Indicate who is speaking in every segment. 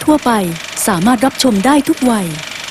Speaker 1: ทั่วไปสามารถรับชมได้ทุกวัย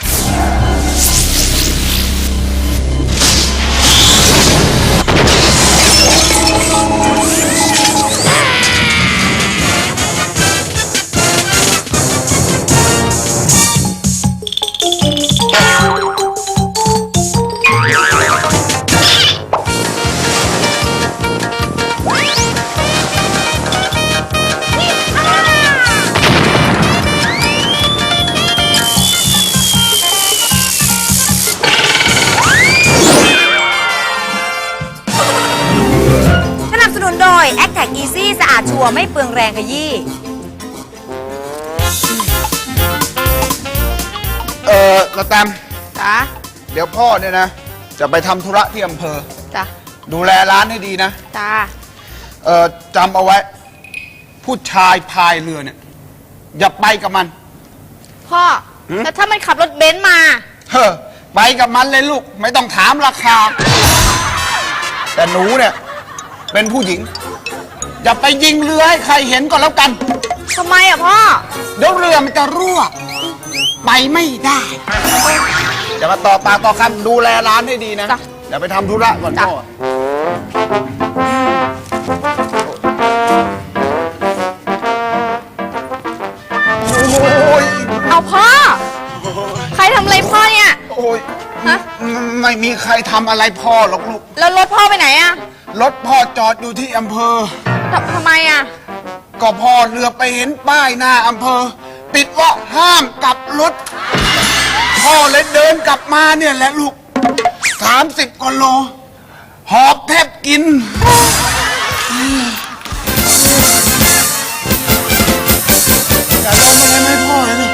Speaker 2: แอคแท็กอีซี่สะอาดชัวร์ไม่เปลืองแรงขยี้
Speaker 3: ละแตม
Speaker 2: จ้ะ
Speaker 3: เดี๋ยวพ่อเนี่ยนะจะไปทำธุระที่อำเภอ
Speaker 2: จ้ะ
Speaker 3: ดูแลร้านให้ดีนะ
Speaker 2: จ้ะ
Speaker 3: จำเอาไว้ ผู้ชายพายเรือเนี่ยอย่าไปกับมัน
Speaker 2: พ่อแล้วถ้ามันขับรถเบนซ์มา
Speaker 3: ไปกับมันเลยลูกไม่ต้องถามราคา แต่หนูเนี่ยเป็นผู้หญิงอย่าไปยิงเรือให้ใครเห็นก็แล้วกัน
Speaker 2: ทำไมอ่ะพ่อ
Speaker 3: เดี๋ยวเรือมันจะรั่วไปไม่ได้อย่ามาต่อปากต่อคำดูแลร้านให้ดีนะ
Speaker 2: จ้ะ
Speaker 3: อย่าไปทำธุระก่อนพ่อโอ้ย
Speaker 2: เอาพ่อ ใครทำอะไรพ่อเนี่ย
Speaker 3: โอ้ย
Speaker 2: ฮะ
Speaker 3: ไม่มีใครทำอะไรพ่อหรอกลูก
Speaker 2: แล้วรถพ่อไปไหนอ่ะ
Speaker 3: รถพ่อจอดอยู่ที่อำเภอ
Speaker 2: ทำไมอ่ะ
Speaker 3: ก็พ่อเรือไปเห็นป้ายหน้าอำเภอ ติดว่าห้ามกลับรถ พ่อเลยเดินกลับมาเนี่ยแหละลูก30 กว่าโล หอบแทบกินอย่าเดินมาเลยไม่พ่อเลยนะ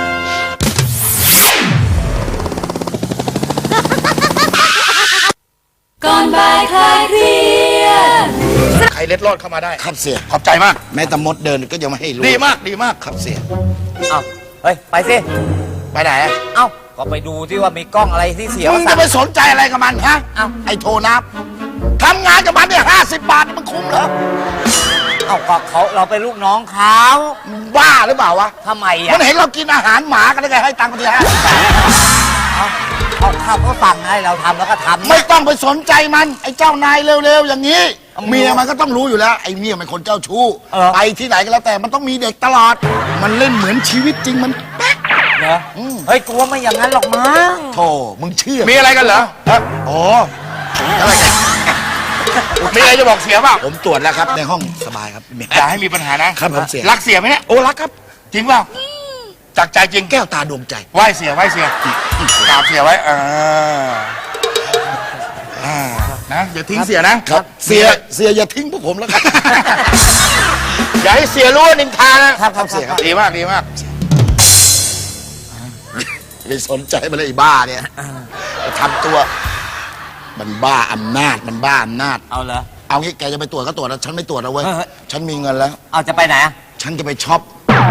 Speaker 1: ก่อนบ่ายคลายเครียด
Speaker 4: ใครเล็ดรอดเข้ามาได้
Speaker 5: ครับเสีย
Speaker 4: ขอบใจมาก
Speaker 5: แม้แต่มดเดินก็ยังไม่ให้รู้
Speaker 4: ดีมากดีมาก
Speaker 5: ครับเสีย
Speaker 6: เอ้าเฮ้ย ไปสิ
Speaker 4: ไปไหน
Speaker 6: เอ้า ก็ไปดูที่ว่ามีกล้องอะไรที่เสีย
Speaker 4: มึง
Speaker 6: สั่
Speaker 4: จะ
Speaker 6: ง
Speaker 4: ไปสนใจอะไรกับมันฮะ
Speaker 6: เอ้า
Speaker 4: ไอ้โทนับทำงานกับมันเนี่ย50 บาทนี่มันคุ้มเหรอ
Speaker 6: เอ้าก็เขาเราเป็นลูกน้องเขา
Speaker 4: มึงบ้าหรือเปล่าวะ
Speaker 6: ทำไม
Speaker 4: มั
Speaker 6: อ่ะ
Speaker 4: นเห็นเรากินอาหารหมากันได้ไงให้ตังค์กันที50 บาท
Speaker 6: เอาข้าวเขาสั่งให้เราทำแล้วก็ทำ
Speaker 4: ไม่ต้องไปสนใจมันไอ้เจ้านายเร็วๆอย่างนี้ เมียมันก็ต้องรู้อยู่แล้วไอ้เมียมันคนเจ้าชู้ไปที่ไหนก็แล้วแต่มันต้องมีเด็กตลอด มันเล่นเหมือนชีวิตจริงมันแป๊ก
Speaker 6: เนอะเฮ้ยกลัวไม่อย่างนั้นหรอกมั้ง
Speaker 4: โธ่มึงเชื่อ
Speaker 7: มีอะไรกันเหรอ
Speaker 4: อ๋ออะไรกัน
Speaker 7: มีอะไรจะบอกเสียเปล่า
Speaker 4: ผมตรวจแล้วครับในห้องสบายครับเมีย
Speaker 7: อย่าให้มีปัญหานะครับ
Speaker 4: ผมเสีย
Speaker 7: รักเสียไหมเนี่ย
Speaker 4: โอ้รักครับ
Speaker 7: จริงเปล่าจากใจจริง
Speaker 4: แก้วตาดวงใจ
Speaker 7: ไหว้เสียไหว้เสียกราบเสียไว้นะอย่าทิ้งเสียนะครับ
Speaker 4: เสียอย่าทิ้งพวกผมแล้วครับ
Speaker 7: อย่าให้เสียรู้ว่านินทานะครับ
Speaker 4: ครับเสียครับ
Speaker 7: ดีมากดีมาก
Speaker 4: ไปสนใจมันเลยไอ้บ้าเนี่ยทำตัว มันบ้าอำนาจมันบ้าอำนาจ
Speaker 6: เอาเหรอ
Speaker 4: เอางี้แกจะไปตรวจก็ตรวจแล้วฉันไม่ตรวจแล้วเว้ย
Speaker 6: เฮ้ย
Speaker 4: ฉันมีเงินแล้ว
Speaker 6: เอาจะไปไหนอ่ะ
Speaker 4: ฉันจะไปช็อป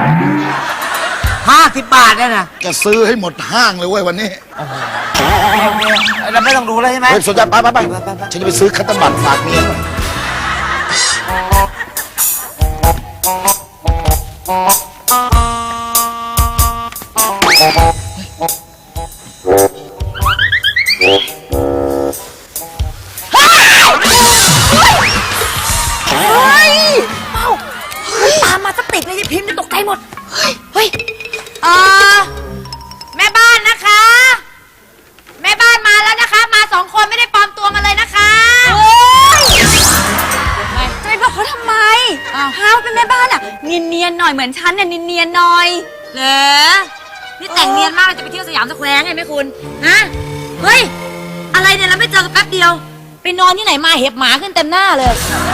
Speaker 6: 50 บาทเนี่ยนะ
Speaker 4: จะซื้อให้หมดห้างเลยเว้ยวันนี้
Speaker 6: เราไม่ต้องดูแล้วใช่ไหม
Speaker 4: เฮ้ยสนใจไปฉันจะไปซื้อคัตเตอร์บัตรฝากเมียหน่อย
Speaker 2: ตามมาสติดเลยพิมพ์จะตกใจหมด เฮ้ยแม่บ้านนะคะ แม่บ้านมาแล้วนะคะ มา2 คนไม่ได้ปลอมตัวมาเลยนะคะจะไปบอกเขาทำไมฮาวเป็นแม่บ้านอ่ะเนียนๆหน่อยเหมือนฉันเนี่ยเนียนๆหน่อยเหรอนี่แต่งเนียนมากเลยจะไปเที่ยวสยามสแควร์ไงแม่คุณฮะเฮ้ยอะไรเนี่ยเราไม่เจอกันแป๊บเดียว ไปนอนที่ไหนมาเห็บหมาขึ้นเต็มหน้าเลย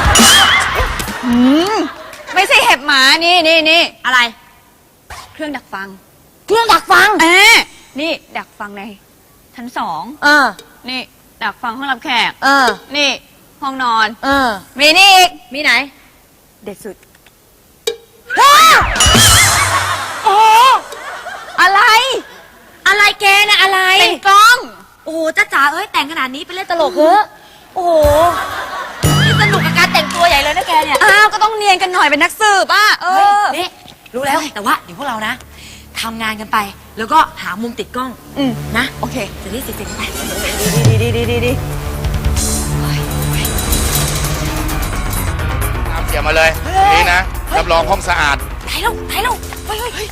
Speaker 2: ไม่ใช่เห็บหมานี่อะไร เครื่องดักฟัง เครื่องดักฟัง
Speaker 8: นี่ดักฟังในชั้น2 นี่ดักฟังห้องรับแขก นี่ห้องนอน
Speaker 2: มีนี่อีกมีไหน
Speaker 8: เด็ดสุด
Speaker 2: โอ้อะไรแกนะอะไร
Speaker 8: เป็นกล้อง
Speaker 2: โอ้โหจ้าจ๋าเอ้ยแต่งขนาดนี้ไปเล่นตลกเหรอโอ้โหนี่สนุกกับการแต่งตัวใหญ่เลยนะแกเนี่ย
Speaker 8: อ้าว ก็ต้องเนียนกันหน่อยเป็นนักสืบอ่ะ
Speaker 2: เฮ้ยนี่รู้แล้วแต่ว่าเดี๋ยวพวกเรานะทำงานกันไป แล้วก็หามุมติดกล้อง นะ
Speaker 8: โอเค
Speaker 2: จะได้เสร็จๆไป
Speaker 8: ดี
Speaker 7: น้ำเสียมาเลย นี่นะ รับรองห้องสะอาด
Speaker 2: ถ่ายแล้วเฮ้ย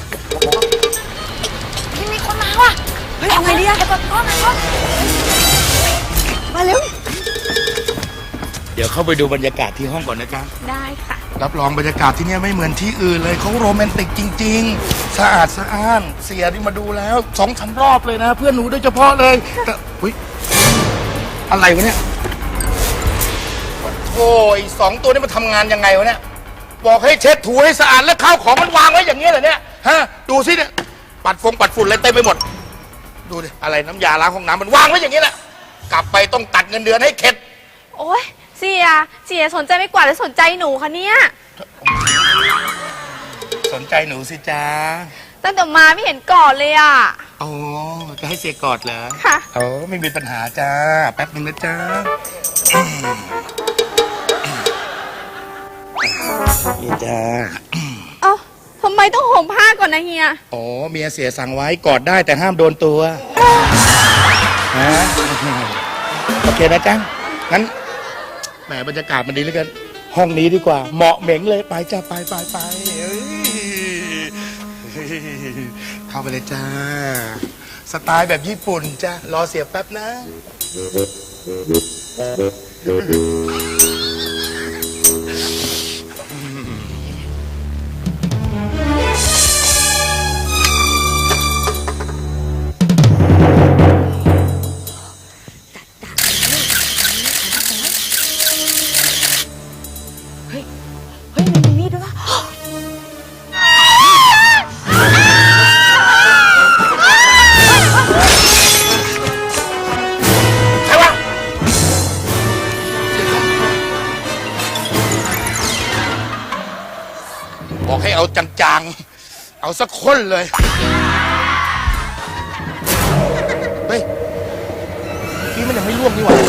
Speaker 2: พี่มีคนมาว่ะเฮ้ยเอาไงดีอะเดี๋ยวก่อนกล้องนะกล้องมาเร็ว
Speaker 4: เดี๋ยวเข้าไปดูบรรยากาศที่ห้องก่อนนะจ๊ะ
Speaker 8: ได้ค่ะ
Speaker 4: รับรองบรรยากาศที่เนี่ยไม่เหมือนที่อื่นเลยเขาโรแมนติกจริง ๆ สะอาดสะอ้าน เสียนี่มาดูแล้ว2-3 รอบเลยนะ เพื่อนหนูโดยเฉพาะเลยแต่อุ๊ยอะไรวะเนี่ยโอ้ย2 ตัวนี้มาทำงานยังไงวะเนี่ยบอกให้เช็ดถูให้สะอาดแล้วข้าวของมันวางไว้อย่างเงี้ยเหรอเนี่ยฮะดูสิเนี่ยปัดฝุ่นอะไรเต็มไปหมด ดูดิอะไรน้ำยาล้างห้องน้ำมันวางไว้อย่างนี้แหละกลับไปต้องตัดเงินเดือนให้เข็ด
Speaker 8: โอ้ยเสียสนใจไม่กว่าดหรือสนใจหนูคะเนี่ย
Speaker 4: สนใจหนูสิจ้า
Speaker 8: ตั้งแต่มาไม่เห็นก่อนเลยอ่ะ
Speaker 4: อ๋อจะให้เสียกอดเหรอ
Speaker 8: ค่ะ
Speaker 4: โอ้ไม่มีปัญหาจ้าแป๊บนึงนะจ้านี่จ้า
Speaker 8: เอ้าทำไมต้องห่มผ้าก่อนนะเฮีย
Speaker 4: อ๋อเมียเสียสั่งไว้กอดได้แต่ห้ามโดนตัวฮะโอเคนะจ้างั้นแหมบรรยากาศมันดีเหลือเกินห้องนี้ดีกว่า เหมาะเหม็งเลยไปจ้าไปเอ้ยเข้าไปเลยจ้า สไตล์แบบญี่ปุ่นจ้ารอเสียบแป๊บนะ
Speaker 2: เฮ้ยมันมีมีดด้วยวะ
Speaker 7: ใครวะ
Speaker 4: บอกให้เอาจางๆ เอาสักคนเลย เฮ้ยพี่มันยังไม่ล่วงนี่หว่า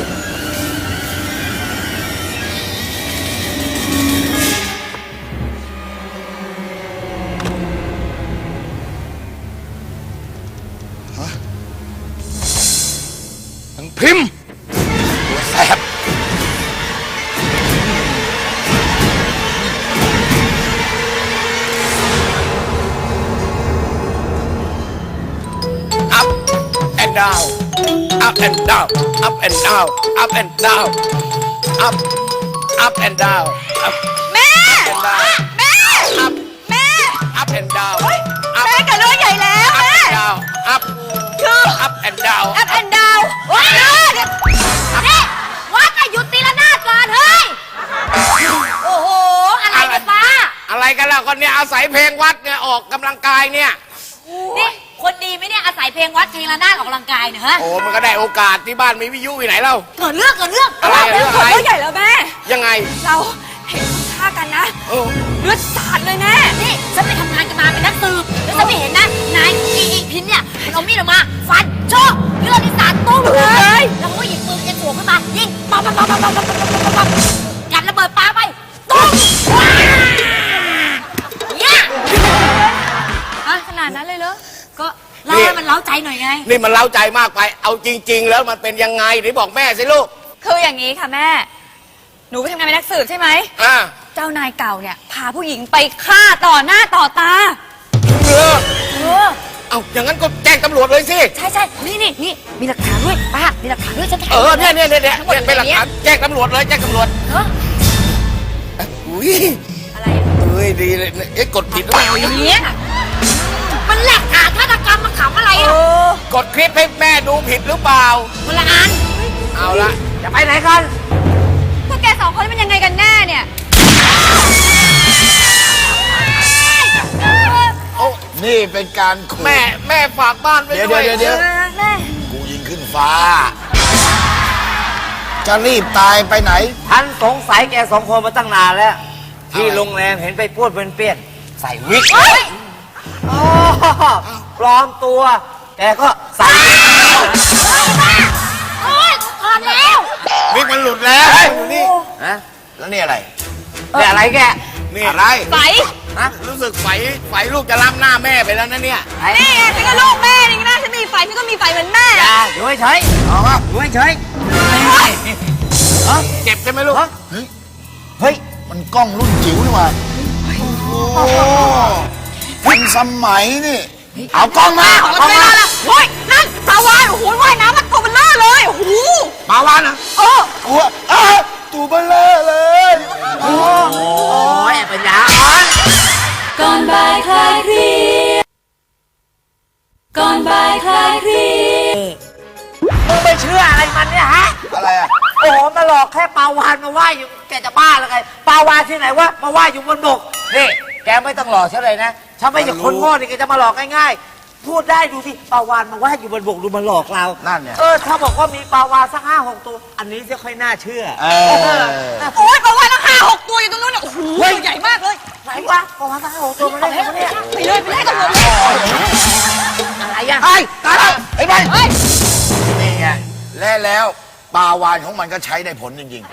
Speaker 4: ฮะทั้งพิมพ์ตัวแสบ
Speaker 7: up and down up and down up and down up and down up and down up
Speaker 8: แม่
Speaker 7: and down
Speaker 8: แม่
Speaker 7: up
Speaker 8: แม่
Speaker 7: up and down up
Speaker 8: แม่กับเรื่องใหญ่แล้ว
Speaker 7: up
Speaker 8: แม่
Speaker 7: and down up
Speaker 8: คือ
Speaker 7: up and down
Speaker 8: อัพแอนด์ดาวว้าวนี่วัดอะหยุดตีละนาดก่อนเฮ้ย
Speaker 2: โอ้โห อะไรกันป้า
Speaker 7: อะไรกันล่ะคนเนี้ยอาศัยเพลงวัดเนี่ยออกกำลังกายเนี่ย
Speaker 2: นี่คนดีไหมเนี่ยอาศัยเพลงวัดเพลงระนาดออกกำลังกายเนี่ยฮะ
Speaker 7: โอ้มันก็ได้โอกาสที่บ้านมีวิทยุอยู่ไหนเล่า
Speaker 2: เกิดเรื่อง
Speaker 7: อะไรเรื่องอะไร
Speaker 8: เรื่องใหญ่แล้วแม่
Speaker 7: ยังไง
Speaker 8: เราเห็นคุณค่ากันนะ
Speaker 7: โอ้
Speaker 8: เลือดสาดเลยแม่
Speaker 2: นี่ฉันไปทำงานกันมาเป็นนักสืบแล้วฉันไม่เห็นนะนายอีพินเนี่ยมันเอามีดออกมาฟันโชกเลือดที่สาดตุ้มเลยแล้วก็หยิบปืนเอ็นหัวขึ้นมายิงปั๊บยัดระเบิดปาไปตุ้มเนี่ย
Speaker 8: ขนาดนั้นเลยเหรอ
Speaker 2: ก็เล่าให้มันเล้าใจหน่อยไง
Speaker 7: นี่มันเล้าใจมากไป เอาจริง ๆ แล้วมันเป็นยังไงไหนบอกแม่สิลูก
Speaker 8: คืออย่างนี้ค่ะแม่ หนูไปทำงานเป็นนักสืบใช่ไหม
Speaker 7: อ่า
Speaker 8: เจ้านายเก่าเนี่ยพาผู้หญิงไปฆ่าต่อหน้าต่อตา
Speaker 7: เออเอาอย่างนั้นก็แจ้งตำรวจเลยสิ
Speaker 2: ใช่นี่มีหลักฐานด้วยป้ามีหลักฐานด้วยฉันถ่าย
Speaker 7: เนี่ยเป็นหลักฐานแจ้งตำรวจเลยแจ้งตำรวจ
Speaker 2: เออ
Speaker 7: อุ้ย
Speaker 2: อะไร
Speaker 7: เฮ้ยดีเลยเอ๊ะกดผิดหรือเปล่า
Speaker 2: เนี่ยมันหลักฐานฆาตกรรมมันขำอะไรอ่ะ
Speaker 7: กดคลิปให้แม่ดูผิดหรือเปล่า
Speaker 2: คนละอัน
Speaker 7: เอาละจะไปไหนกัน
Speaker 8: พวกแกสองคนนี่มันยังไงกันแน่เนี่ย
Speaker 4: นี่เป็นการขู่
Speaker 7: แม่ฝากบ้านไว้
Speaker 4: เดี๋ยว
Speaker 7: ด้วย
Speaker 4: กูยิงขึ้นฟ้า จะรีบตายไปไหน
Speaker 6: ฉันสงสัยแกสองคนมาตั้งนานแล้ว ที่โรงแรมเห็นไปพูดเป็นเปี้ยนใส่วิกอ๋อปลอมตัว แกก็ใส่
Speaker 2: โอ๊ยถอดแล้ว
Speaker 7: วิกมันหลุดแล้วอยู่นี่
Speaker 6: นะ
Speaker 4: แล้วนี่อะไร
Speaker 6: แต่อะไรแก
Speaker 7: นี่
Speaker 4: อะไร
Speaker 8: ใส
Speaker 6: นะ
Speaker 7: รู้สึกไฟลูกจะล้ำหน้าแม่ไปแล้วนะเนี่ย
Speaker 6: ไอ้
Speaker 2: นี่ไงฉันก็ลูกแม่นี่นะฉันมีไฟฉันก็มีไฟเหมือนแม่
Speaker 6: อย่าอยู่เฉย
Speaker 7: เอาครับ
Speaker 6: ๆอยู่เฉย
Speaker 7: เจ็บใช่ไหมลูก
Speaker 5: เฮ้ย
Speaker 6: ๆเฮ้ย
Speaker 5: มันกล้องรุ่นจิ๋วนี่หว่าโอ้ทันสมัยนี่
Speaker 6: เอากล้องมา
Speaker 2: เอา
Speaker 6: เอากล้อง
Speaker 2: ไป
Speaker 6: มา
Speaker 2: ละโอ้ยนั่นปลาวานโอ้โหว่ายน้ำมันตัวเบลอเลยโอ้โห
Speaker 7: ปาวานนะ
Speaker 2: เออ
Speaker 5: หัวอ้าตัวเบลอเลย
Speaker 6: โอ้ยปัญญาอ่อน
Speaker 1: ก่อนบ่ายคลายเครียดก่อนบ่ายคลายเครียด
Speaker 6: มึงไปเชื่ออะไรมันเนี่ยฮะ
Speaker 5: อะไรอ่ะ
Speaker 6: โอ้โหมาหลอกแค่ปลาวานมาว่ายอยู่แกจะบ้าหรือไงปลาวานที่ไหนวะมาว่ายอยู่บนบกนี่แกไม่ต้องหลอกฉันเลยนะฉันไม่ใช่คนโง่นี่แกจะมาหลอกง่ายๆพูดได้ดูสิปลาวานมาว่ายอยู่บนบกดูมาหลอกเรา
Speaker 5: นั่นเนี่ย
Speaker 6: ถ้าบอกว่ามีปลาวานสัก5-6 ตัว อันนี้จะค่อยน่าเชื่อ
Speaker 2: โอ้ยปลาวานตั้ง5-6 ตัวอยู่ตรงนู้นน่ะโอ้โหตัวใหญ่มากเลย
Speaker 6: ไหนวะปลาวานสัก5-6 ตัวมาได้ไงวะเนี่ย
Speaker 2: ไปเลยตำรวจเลย
Speaker 6: อะไรอ่ะ
Speaker 5: ไอ้ตายแล้วไอ้ไปนี่ไงแล้วปลาวานของมันก็ใช้ได้ผลจริง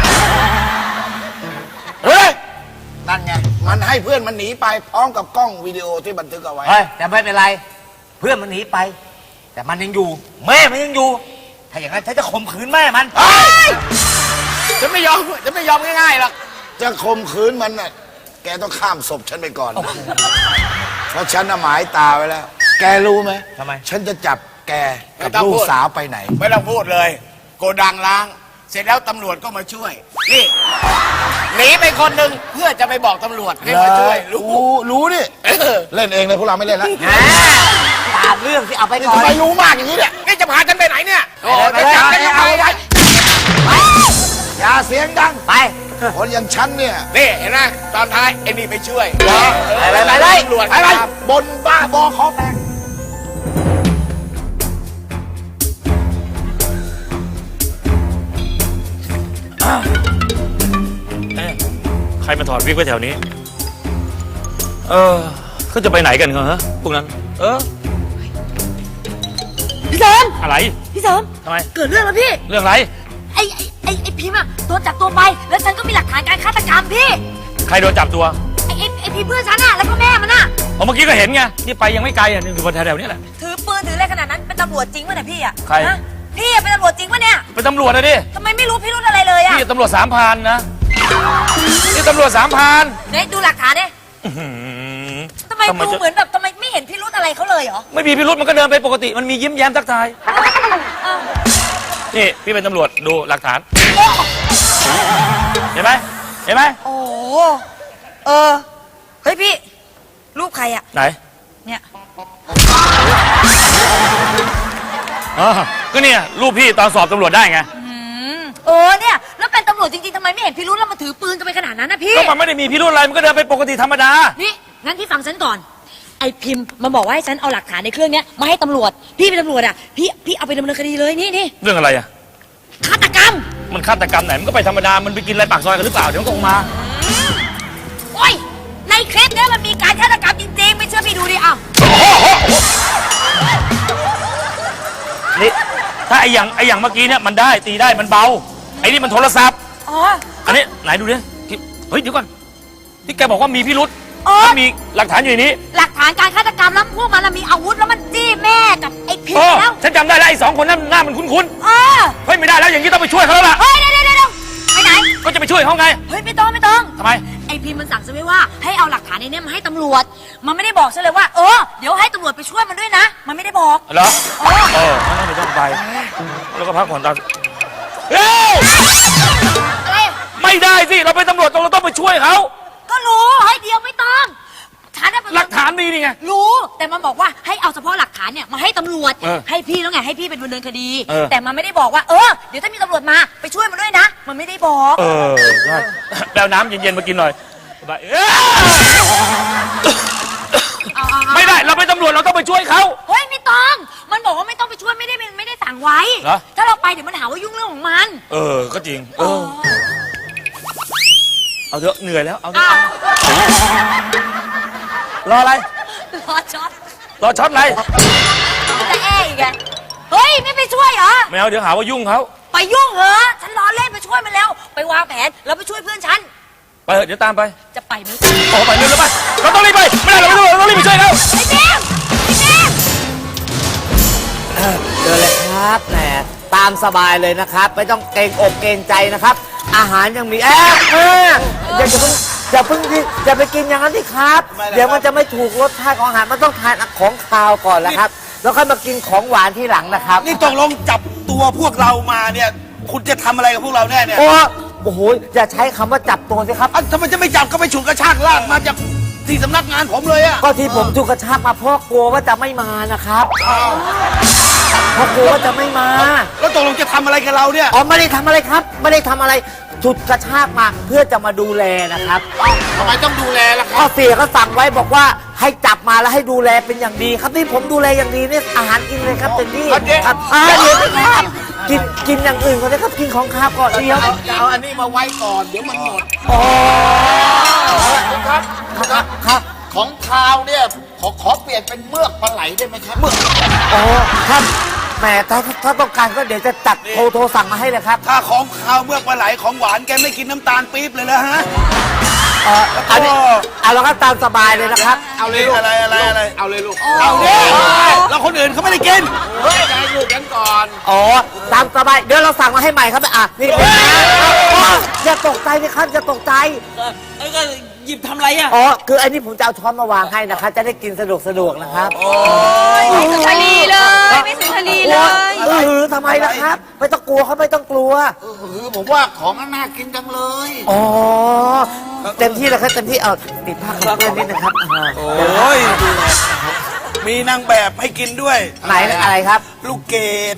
Speaker 5: ๆเฮ้ยนั่นไงมันให้เพื่อนมันหนีไปพร้อมกับกล้องวิดีโอที่บันทึกเอาไว้
Speaker 6: เฮ้ยแต่ไม่เป็นไร เพื่อนมันหนีไป แต่มันยังอยู่ แม่มันยังอยู่ ถ้าอย่างนั้นฉันจะข่มขืนแม่มัน
Speaker 5: เฮ้ย
Speaker 7: จะไม่ยอมง่ายๆหรอก
Speaker 5: จะข่มขืนมันน่ะแกต้องข้ามศพฉันไปก่อน เพราะฉันน่ะหมายตาไว้แล้ว แกรู้ไหม
Speaker 6: ทำไม
Speaker 5: ฉันจะจับแกกับ
Speaker 7: ไม่ต้อง
Speaker 5: ลู
Speaker 7: พู
Speaker 5: ก
Speaker 7: ด
Speaker 5: สาวไปไหน
Speaker 7: ไม่ต้องพูดเลย โกดังล้าง เสร็จแล้วตำรวจก็มาช่วย นี่หนีไปคนหนึ่งเพื่อจะไปบอกตำรวจให้มาช่วยรู้
Speaker 5: รู้นี่ เล่นเองเลยพวกเราไม่เล่นแล้ว
Speaker 6: แหมตามเรื่องที่เอาไปก่อน
Speaker 5: ทำไมรู้มากอย่างนี้เนี่ย
Speaker 7: นี่จะพาฉันไปไหนเนี่ยโอ้
Speaker 6: ไป
Speaker 7: จะ
Speaker 6: เลย
Speaker 7: จับฉันยังไง
Speaker 6: ไป
Speaker 5: อย่าเสียงดัง
Speaker 6: ไป
Speaker 5: คนอย่างฉันเนี่ย
Speaker 7: นี่เห็นไหมตอนท้ายไอ้นี่ไปช่วย
Speaker 6: ไปเลย
Speaker 7: ตำรวจ
Speaker 5: ไปไปบนบ้าบอคอแตก
Speaker 9: ใครมาถอดวิกไว้แถวนี้ เขาจะไปไหนกันเหรอพวกนั้น
Speaker 2: พี่เสริม
Speaker 9: อะไร
Speaker 2: พี่เสริม
Speaker 9: ทำไม
Speaker 2: เกิดเรื่องแล้วพี่
Speaker 9: เรื่องอะไร
Speaker 2: ไอ้พิมพ์อะโดนจับตัวไป แล้วฉันก็มีหลักฐานการฆาตกรรมพี่
Speaker 9: ใครโดนจับตัว
Speaker 2: ไอ้พิมพ์เพื่อนฉันอะแล้วก็แม่มันอะ
Speaker 9: เมื่อกี้ก็เห็นไง นี่ไปยังไม่ไกลอ่ะ นี่อยู่บนแถวๆนี้แหละ
Speaker 2: ถือปืนถืออะไรขนาดนั้นเป็นตำรวจจริงวะเนี่ยพี่อะ
Speaker 9: ใคร
Speaker 2: ฮะพี่อะเป็นตำรวจจริงวะเนี่ย
Speaker 9: เป็นตำรวจนะดิ
Speaker 2: ทำไมไม่รู้พิรุธอะไรเลยอะ
Speaker 9: นี่ตำรวจ3,000นะ นี่ตำรวจ3,000
Speaker 2: เนี่ยดูหลักฐานเนี่ยทำไมดูเหมือนแบบทำไมไม่เห็นพิรุธอะไรเขาเลยเหรอ
Speaker 9: ไม่มีพิรุษมันก็เดินไปปกติ มันมียิ้มแย้มทักทาย นี่พี่เป็นตำรวจดูหลักฐาน เห็นไหม เห็นไหม
Speaker 2: โอ้โหเฮ้ยพี่ รูปใครอะ
Speaker 9: ไหน
Speaker 2: เนี่ย
Speaker 9: อ๋อก็เนี่ยรูปพี่ตอนสอบตำรวจได้ไง
Speaker 2: เนี่ยแล้วเป็นตำรวจจริงๆทำไมไม่เห็นพิรุธแล้วมาถือปืนกันไปขนาดนั้นนะพี่
Speaker 9: ก็มันไม่ได้มีพิรุธอะไร มันก็เดินไปปกติธรรมดา
Speaker 2: นี่งั้นพี่ฟังฉันก่อน ไอ้พิมพ์มันบอกว่าให้ฉันเอาหลักฐานในเครื่องเนี้ยมาให้ตำรวจ พี่เป็นตำรวจอ่ะพี่เอาไปดำเนินคดีเลยนี่
Speaker 9: เรื่องอะไรอ่ะ
Speaker 2: ฆาตกรรม
Speaker 9: มันฆาตกรรมไหน มันก็ไปธรรมดา มันไปกินอะไรปากซอยกันหรือเปล่า เดี๋ยวมันก็ออกมา
Speaker 2: โอ้ยในคลิปเนี้ยมันมีการฆาตกรรมจริงๆไม่เชื่อพี่ดูดิอ้าว
Speaker 9: นี่ถ้าไอ้อย่างเมื่อกี้เนี่ยมันได้ตีได้มันเบา ไอ้นี่มันโทรศัพท์
Speaker 2: อ๋อ
Speaker 9: อันนี้ไหนดูดิเฮ้ยเดี๋ยวก่อนที่แกบอกว่ามีพิรุษ
Speaker 2: อ๋อ
Speaker 9: มันมีหลักฐานอยู่ในนี้
Speaker 2: หลักฐานการฆาตกรรมแล้วพวกมันน่ะมีอาวุธแล้วมันจี้แม่กับไอ้พิม
Speaker 9: เอ
Speaker 2: พ์
Speaker 9: อ
Speaker 2: แล้ว
Speaker 9: ฉันจำได้แล้วไอ้2 คนนั้นหน้ามันคุ้น
Speaker 2: เออ
Speaker 9: ๆเฮ้ยไม่ได้แล้วอย่างนี้ต้องไปช่วยเขาแล้วล่ะ
Speaker 2: เฮ้ยเดี๋ยวไปไหน
Speaker 9: ก็จะไปช่วยเขาไง
Speaker 2: เฮ้ยไม่ต้อง
Speaker 9: ทำไม
Speaker 2: ไอ้พิมพ์มันสั่งฉันไว้ว่าให้เอาหลักฐานในเนี้ยมาให้ตำรวจ มันไม่ได้บอกฉันเลยว่าเดี๋ยวให้ตำรวจไปช่วยมันด้วยนะ มันไม่ได้บอก
Speaker 9: เหรอ
Speaker 2: เออ
Speaker 9: งั้นไม่ต้องไป แล้วก็พักผ่อนตามเฮ้ย
Speaker 2: อะไร
Speaker 9: ไม่ได้สิเราเป็นตำรวจเราต้องไปช่วยเขา
Speaker 2: ก็รู้ให้เดียวไม่ต้องฉันน่ะเป็น
Speaker 9: หลักฐานดีนี่ไง
Speaker 2: รู้แต่มันบอกว่าให้เอาเฉพาะหลักฐานเนี่ยมาให้ตำรวจ
Speaker 9: เออ
Speaker 2: ให้พี่แล้วไงให้พี่เป็นดำเนินคดี
Speaker 9: เออ
Speaker 2: แต่มันไม่ได้บอกว่าเดี๋ยวถ้ามีตำรวจมาไปช่วยมันด้วยนะ มันไม่ได้บอก
Speaker 9: ใช่แปลน้ำเย็นๆมากินหน่อยไปไม่ได้เราเป็นตำรวจเราต้องไปช่วยเขา
Speaker 2: เฮ้ยไม่ต้องมันบอกว่าไม่ต้องไปช่วยไม่ได้สั่งไว้
Speaker 9: เหรอ
Speaker 2: ถ้าเราไปเดี๋ยวมันหาว่ายุ่งเรื่องของมัน
Speaker 9: ก็จริงเอาเถอะเหนื่อยแล้วเอาเถอะ
Speaker 2: อ้าว
Speaker 9: รออะไร
Speaker 2: รอช็อต
Speaker 9: รอช็อตอะไร
Speaker 2: แต่อีกไงเฮ้ยไม่ไปช่วยเหรอ
Speaker 9: ไม่เอาเดี๋ยวหาว่ายุ่งเขา
Speaker 2: ไปยุ่งเหรอฉันล้อเล่นไปช่วยมันแล้ว ไปวางแผนแล้วไปช่วยเพื่อนฉัน
Speaker 9: ไปเถอะเดี๋ยวตามไป
Speaker 8: จะไปไหม
Speaker 9: โอ้ไปเร็วๆไปเราต้องรีบไปไม่ได้เราไม่รู้เราต้องรีบไปช่วยเขา
Speaker 6: เจอเลยครับแหมตามสบายเลยนะครับ ไม่ต้องเกรงอกเกรงใจนะครับ อาหารยังมีอย่าเพิ่งอย่าไปกินอย่างนั้นสิครับ เดี๋ยวมันจะไม่ถูกรสชาติของอาหารมันต้องทานของคาวก่อนแล้วครับ แล้วค่อยมากินของหวานที่หลังนะครับ
Speaker 3: นี่ตกลงจับตัวพวกเรามาเนี่ย คุณจะทำอะไรกับพวกเราแน่เนี่ย
Speaker 6: โอ้โหอย่าใช้คำว่าจับตัวสิครับ
Speaker 3: ทำไมจะไม่จับก็ไปฉุดกระชากลากมาจากที่สำนักงานผมเลยอะ
Speaker 6: ก็ที่ผมถูกกระชากมาเพราะกลัวว่าจะไม่มานะครับเพราะกลัวว่าจะไม่มา
Speaker 3: แล้วตกลงจะทำอะไรกับเราเนี่ย
Speaker 6: อ๋อไม่ได้ทำอะไรครับ ไม่ได้ทำอะไรฉุดกระชากมาเพื่อจะมาดูแลนะครับ
Speaker 7: ทำไมต้องดูแลล่ะครับ
Speaker 6: พ่อเสียก็สั่งไว้บอกว่าให้จับมาแล้วให้ดูแลเป็นอย่างดีครับนี่ผมดูแลอย่างดีเนี่ยอาหารกินเลยครับเต็มที่ครับเดี๋ยวครับกินอย่างอื่นก่อนนะครับกินของข้าวก่อนเดียว
Speaker 7: จะเอาอันนี้มาไว้ก่อนเดี๋ยวมันหมด
Speaker 6: อ๋อ
Speaker 7: ครับ
Speaker 6: ครับ
Speaker 7: ของคาวเนี่ยขอเปลี่ยนเป็นเมือกปลาไหลได้ไหมครับ
Speaker 6: อ๋อครับแหมถ้าต้องการก็เดี๋ยวจะจัดโทรสั่งมาให้เลยครับ
Speaker 3: ถ้าของข้าวเมือกปลาไหลของหวานแกไม่กินน้ำตาลปี๊บเลยนะฮะ
Speaker 6: อันนี้เอาแล้วก็ตามสบายเลยนะครับ
Speaker 7: เอาเลยลูก
Speaker 3: อะไร
Speaker 7: เอาเลยลูก
Speaker 3: เอาดิแล้วคนอื่นเขาไม่ได้กิน
Speaker 7: เฮ้ยให้ลูกกันก่อน
Speaker 6: อ๋อตามสบายเดี๋ยวเราสั่งมาให้ใหม่ครับนี่อย่าตกใจนะครับอย่าตกใจ
Speaker 2: ก็หยิบทำไรอ่ะ
Speaker 6: อ๋อคืออันนี้ผมจะเอาช้อนมาวางให้นะครับจะได้กินสะดวกนะครับ
Speaker 8: ไม่สุนทรีเลย ไม่สุนทรีเลย
Speaker 6: ทำไมล่ะครับ ไม่ต้องกลัวเขาไม่ต้องกลัว
Speaker 7: คือผมว่าของน่ากินจังเลย
Speaker 6: อ๋อเต็มที่แล้วครับเต็มที่เอาติดผ้ากันเปื้อนนิดนะครับ
Speaker 3: โอ้ยมีนางแบบให้กินด้วย
Speaker 6: ไหนอะไรครับ
Speaker 3: ลูกเกด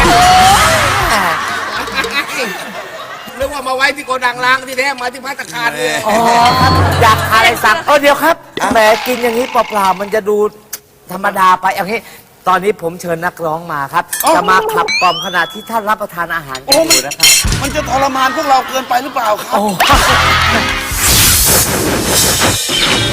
Speaker 7: นึกว่ามาไว้ที่โกดังล้างที่แท้มาที่ภัตตาคารเลย
Speaker 6: อ๋อครับอยากทานอะไรสั่งเดี๋ยวครับแหมกินอย่างนี้เปล่าๆมันจะดูธรรมดาไปอย่างนี้ตอนนี้ผมเชิญนักร้องมาครับจะมาขับกล่อมขณะที่ท่านรับประทานอาหารกันอยู่นะครับ
Speaker 3: มันจะทรมานพวกเราเกินไปหรือเปล่าครับ
Speaker 6: โอ้